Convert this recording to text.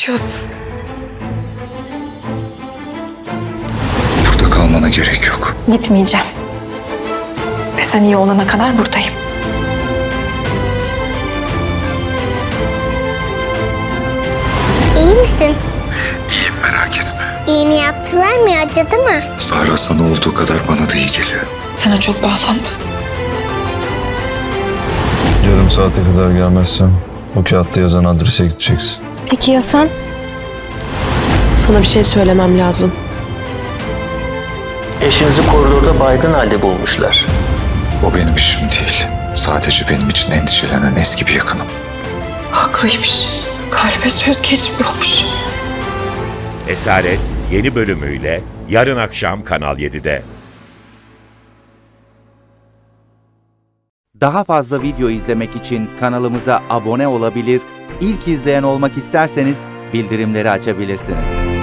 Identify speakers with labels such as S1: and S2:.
S1: yaşıyorsun.
S2: Burada kalmana gerek yok.
S1: Gitmeyeceğim. Ve sen iyi olana kadar buradayım.
S3: İyi misin?
S2: İyiyim, merak etme.
S3: İğne yaptılar mı? Acıdı mı?
S2: Sara sana olduğu kadar bana da iyi geliyor.
S1: Sana çok bağlandı.
S4: Yarım saate kadar gelmezsem o kağıtta yazan adrese gideceksin.
S5: Peki ya sen? Sana bir şey söylemem lazım.
S6: Eşinizi koridorda baygın halde bulmuşlar.
S2: O benim işim değil. Sadece benim için endişelenen eski bir yakınım.
S1: Haklıymış. Kalbe söz geçmiyormuş.
S7: Esaret yeni bölümüyle yarın akşam Kanal 7'de.
S8: Daha fazla video izlemek için kanalımıza abone olabilir, ilk izleyen olmak isterseniz bildirimleri açabilirsiniz.